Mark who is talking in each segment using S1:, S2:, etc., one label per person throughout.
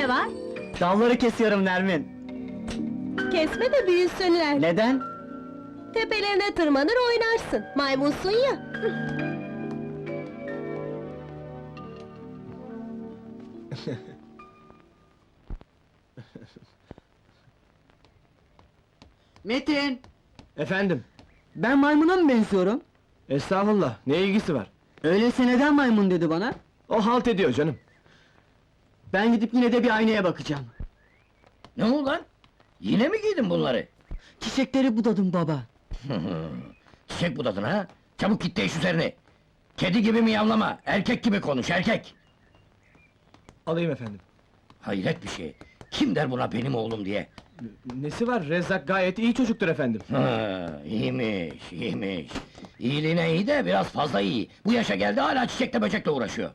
S1: ne var?
S2: Dalları kesiyorum Nermin.
S1: Kesme de büyüsünler.
S2: Neden?
S1: Tepelerine tırmanır oynarsın. Maymunsun ya.
S3: Metin!
S2: Efendim?
S3: Ben maymuna mı benziyorum?
S2: Estağfurullah, ne ilgisi var?
S3: Öyleyse neden maymun dedi bana?
S2: O halt ediyor canım.
S3: Ben gidip yine de bir aynaya bakacağım.
S4: Ne ulan? Yine mi giydin bunları?
S3: Çiçekleri budadım baba.
S4: Çiçek budadın ha? Çabuk git değiş üzerini! Kedi gibi miyavlama, erkek gibi konuş, erkek!
S2: Alayım efendim.
S4: Hayret bir şey! Kim der buna benim oğlum diye?
S2: Nesi var? Rezzak gayet iyi çocuktur efendim.
S4: İyiymiş, iyiymiş! İyiliğine iyi de biraz fazla iyi! Bu yaşa geldi hala çiçekle böcekle uğraşıyor!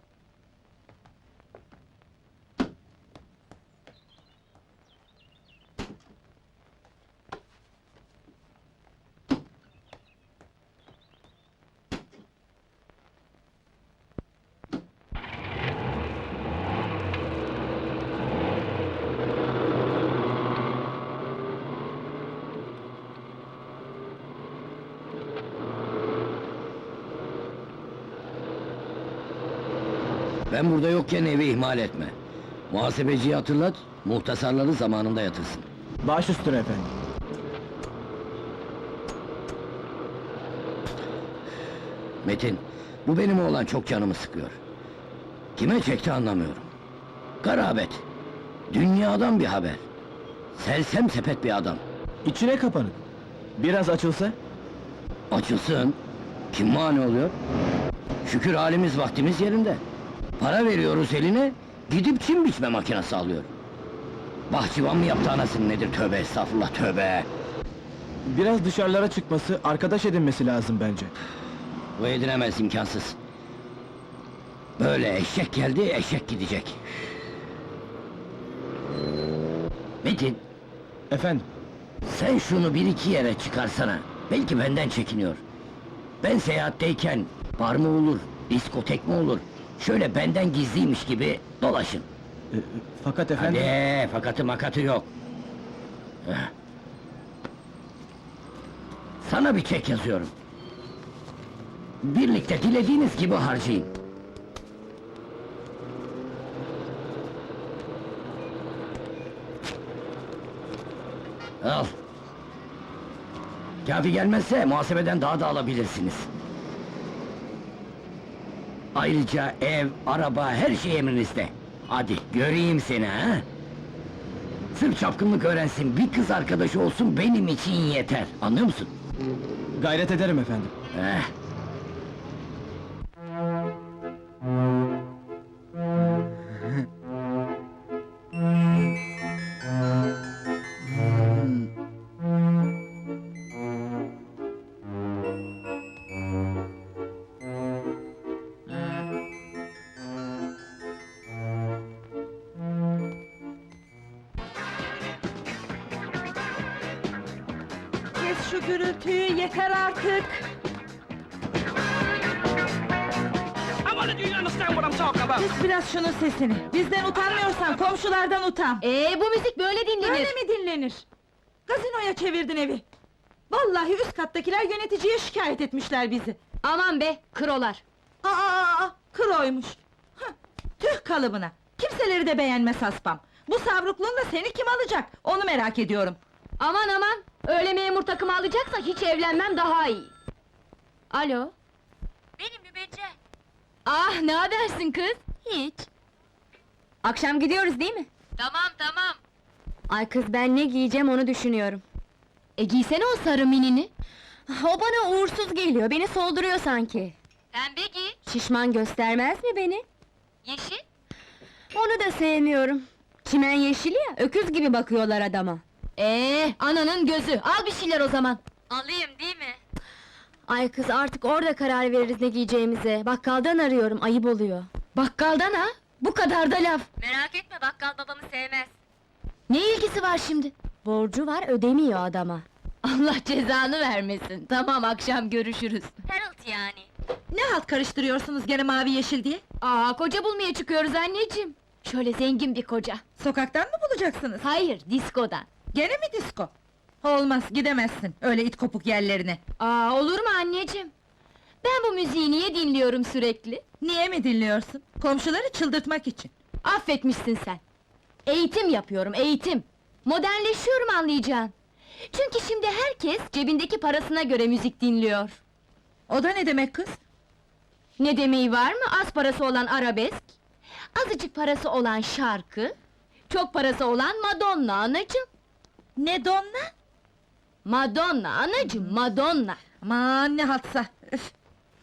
S4: Ben burada yokken evi ihmal etme. Muhasebeciyi hatırlat, muhtasarları zamanında yatırsın.
S2: Baş üstüne efendim.
S4: Metin, bu benim oğlan çok canımı sıkıyor. Kime çekti anlamıyorum. Garabet, dünyadan bir haber. Sersem sepet bir adam.
S2: İçine kapanık. Biraz açılsa?
S4: Açılsın, kim mani oluyor? Şükür halimiz vaktimiz yerinde. Para veriyoruz eline, gidip çim biçme makinesi alıyor. Bahçıvan mı yaptı anasını nedir, tövbe estağfurullah, tövbe!
S2: Biraz dışarılara çıkması, arkadaş edinmesi lazım bence.
S4: Bu edinemez, imkansız. Böyle eşek geldi, eşek gidecek. Metin,
S2: Efendim?
S4: sen şunu bir iki yere çıkarsana. Belki benden çekiniyor. Ben seyahatteyken, bar mı olur, diskotek mi olur? Şöyle benden gizliymiş gibi dolaşın.
S2: Fakat efendim...
S4: Hadi, fakatı makatı yok. Heh. Sana bir çek yazıyorum. Birlikte dilediğiniz gibi harcayın. Al. Kâfi gelmezse muhasebeden daha da alabilirsiniz. Ayrıca ev, araba, her şey emrinizde. Hadi, göreyim seni ha! Sırf çapkınlık öğrensin, bir kız arkadaşı olsun benim için yeter, anlıyor musun?
S2: Gayret ederim efendim.
S4: Eh.
S1: Kes şu gürültüyü, yeter artık!
S5: Kes biraz şunun sesini! Bizden utanmıyorsan komşulardan utan!
S1: Bu müzik böyle dinlenir!
S5: Öyle mi dinlenir? Gazinoya çevirdin evi! Vallahi üst kattakiler yöneticiye şikayet etmişler bizi!
S1: Aman be, krolar!
S5: Kroymuş! Hıh, tüh kalıbına! Kimseleri de beğenmez haspam! Bu savrukluğunla seni kim alacak? Onu merak ediyorum!
S1: Aman aman! Öyle memur takımı alacaksa hiç evlenmem daha iyi! Alo?
S6: Benim Mübecce.
S1: Ah, ne habersin kız?
S6: Hiç.
S1: Akşam gidiyoruz değil mi?
S6: Tamam.
S1: Ay kız, ben ne giyeceğim onu düşünüyorum. Giysene o sarı minini! O bana uğursuz geliyor, beni solduruyor sanki!
S6: Pembe giy.
S1: Şişman göstermez mi beni?
S6: Yeşil.
S1: Onu da sevmiyorum! Çimen yeşili ya, öküz gibi bakıyorlar adama! Ananın gözü, al bir şeyler o zaman!
S6: Alayım değil mi?
S1: Ay kız, artık orada karar veririz ne giyeceğimize! Bakkaldan arıyorum, ayıp oluyor! Bakkaldan ha? Bu kadar da laf!
S6: Merak etme, bakkal babamı sevmez.
S1: Ne ilgisi var şimdi? Borcu var, ödemiyor adama! Allah cezanı vermesin! Tamam, akşam görüşürüz!
S6: Harold yani.
S5: Ne halt karıştırıyorsunuz gene mavi yeşil diye?
S1: Koca bulmaya çıkıyoruz anneciğim! Şöyle zengin bir koca!
S5: Sokaktan mı bulacaksınız?
S1: Hayır, diskodan.
S5: Gene mi disko? Olmaz, gidemezsin öyle it kopuk yerlerine.
S1: Aa, olur mu anneciğim? Ben bu müziği niye dinliyorum sürekli?
S5: Niye mi dinliyorsun? Komşuları çıldırtmak için.
S1: Affetmişsin sen. Eğitim yapıyorum, eğitim. Modernleşiyorum anlayacağın. Çünkü şimdi herkes cebindeki parasına göre müzik dinliyor.
S5: O da ne demek kız?
S1: Ne demeyi var mı? Az parası olan arabesk, azıcık parası olan şarkı, çok parası olan Madonna anacığım.
S5: Ne donna?
S1: Madonna anacığım, Madonna.
S5: Aman ne haltsa! Üf!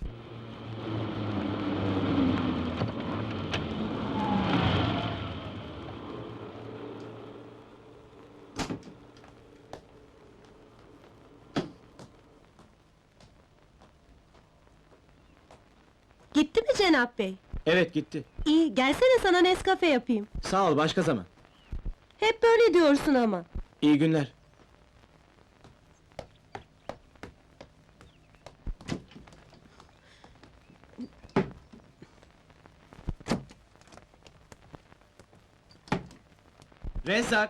S7: Gitti mi Cenap Bey?
S2: Evet gitti.
S7: İyi, gelsene sana Nescafe yapayım.
S2: Sağ ol, başka zaman.
S7: Hep böyle diyorsun ama.
S2: İyi günler. Rezzak!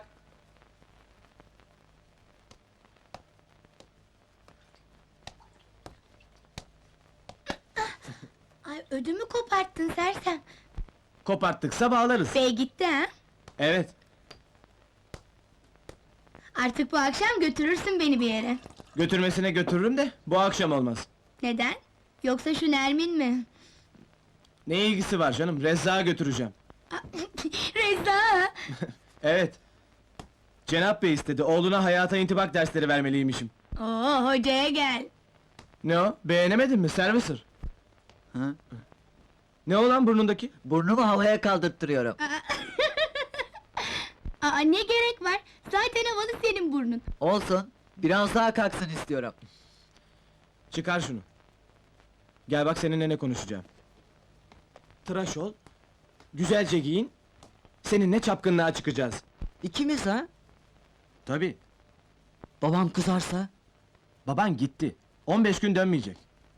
S8: Ay ödümü koparttın sersem.
S2: Koparttıksa bağlarız.
S8: Bey gitti ha?
S2: Evet.
S8: Artık bu akşam götürürsün beni bir yere.
S2: Götürmesine götürürüm de bu akşam olmaz.
S8: Neden? Yoksa şu Nermin mi?
S2: Ne ilgisi var canım? Rezzak'a götüreceğim.
S8: Reza!
S2: Evet. Cenap Bey istedi. Oğluna hayata intibak dersleri vermeliymişim.
S8: Oo, hocaya gel.
S2: Ne o? Beğenemedin mi? Servicer.
S3: Ha?
S2: Ne o lan burnundaki?
S3: Burnumu havaya kaldırttırıyorum.
S8: Aa, ne gerek var? Zaten havalı senin burnun.
S3: Olsun, biraz daha kalksın istiyorum.
S2: Çıkar şunu. Gel bak seninle ne konuşacağım. Tıraş ol. Güzelce giyin. Seninle çapkınlığa çıkacağız.
S3: İkimiz ha?
S2: Tabii.
S3: Babam kızarsa?
S2: Baban gitti. 15 gün dönmeyecek.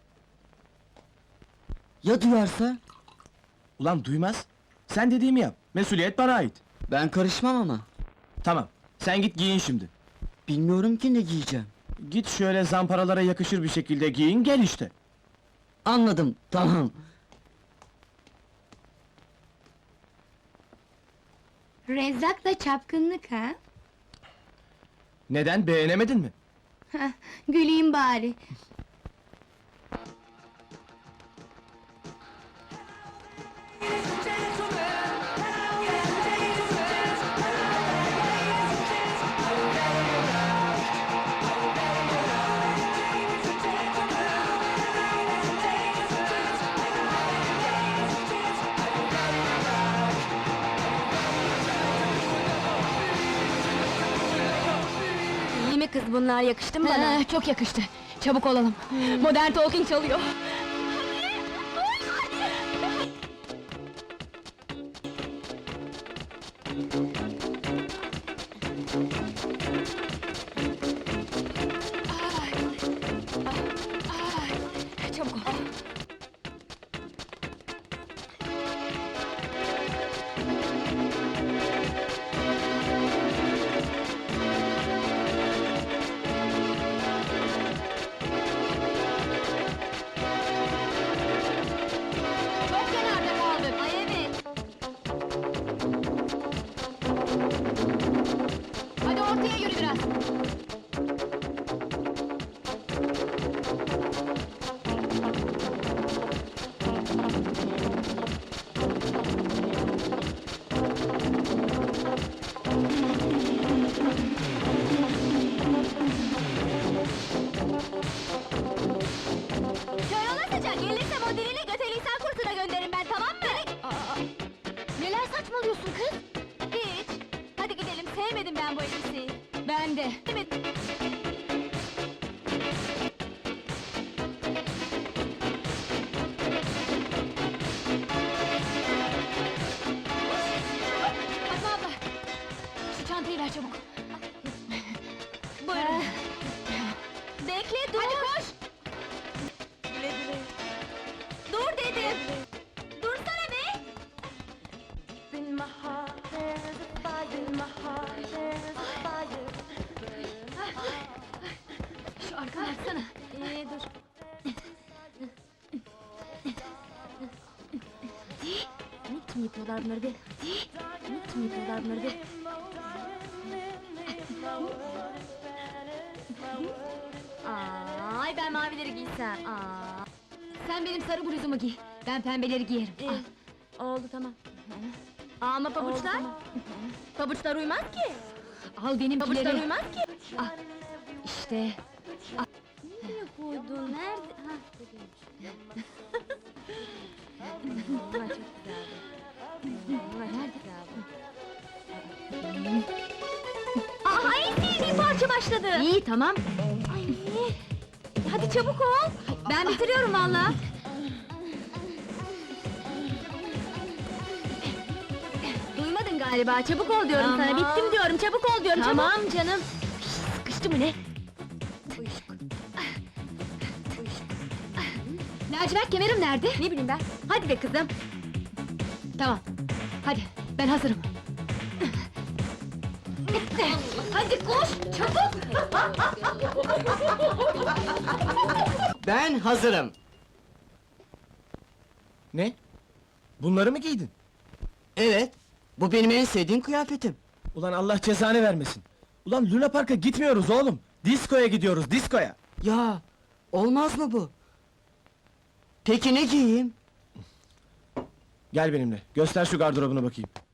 S3: Ya duyarsa?
S2: Ulan duymaz. Sen dediğimi yap. Mesuliyet bana ait.
S3: Ben karışmam ama.
S2: Tamam. Sen git giyin şimdi.
S3: Bilmiyorum ki ne giyeceğim.
S2: Git şöyle zamparalara yakışır bir şekilde giyin, gel işte.
S3: Anladım, tamam.
S8: Rezzak'la çapkınlık ha?
S2: Neden, beğenemedin mi?
S8: Hah, güleyim bari.
S1: İyi mi kız bunlar, yakıştı mı bana? Çok yakıştı. Çabuk olalım. Modern Talking çalıyor. Çabuk ol. Çok kenarda kaldık. Ay evet. Hadi ortaya yürü biraz. Kör olasıca, gelirse modelini göteliysel kursuna gönderin ben, tamam mı? Neler saçmalıyorsun kız? Hiç. Hadi gidelim, sevmedim ben bu elbiseyi. Ben de. Fatma abla, şu çantayı ver çabuk. Buyurun. Bekle, dur! Hadi koş! Dur dedim! Dursana be! yapıyorlar bunları be? Hadi. Nasıl yapıyorlar bunları be? Ay ben mavileri giysem. Aa. Sen benim sarı bluzumu giy. Ben pembeleri giyerim. Oldu tamam. Ama pabuçlar? Pabuçlar uymaz ki. Al benimkileri. Pabuçlar uymaz ki. Ah. İşte.
S8: Nereye koydun? Nerede? Ha.
S1: Bunlar çok güzeldi. Bunlar çok güzeldi. Aa, en sevdiğim parça başladı. İyi tamam. Ay. Hadi çabuk ol. Ben bitiriyorum valla. Duymadın galiba. Çabuk ol diyorum sana. Bittim diyorum. Çabuk ol diyorum. Tamam canım. Sıkıştı mı ne? Lacivert kemerim nerede? Ne bileyim ben. Hadi be kızım. Tamam. Hadi. Ben hazırım. Bitti. Hadi koş. Çabuk.
S3: Ben hazırım.
S2: Ne? Bunları mı giydin?
S3: Evet, bu benim en sevdiğim kıyafetim.
S2: Ulan Allah cezanı vermesin. Ulan Luna Park'a gitmiyoruz oğlum. Diskoya gidiyoruz, diskoya.
S3: Ya, olmaz mı bu? Peki ne giyeyim?
S2: Gel benimle, göster şu gardırobuna bakayım.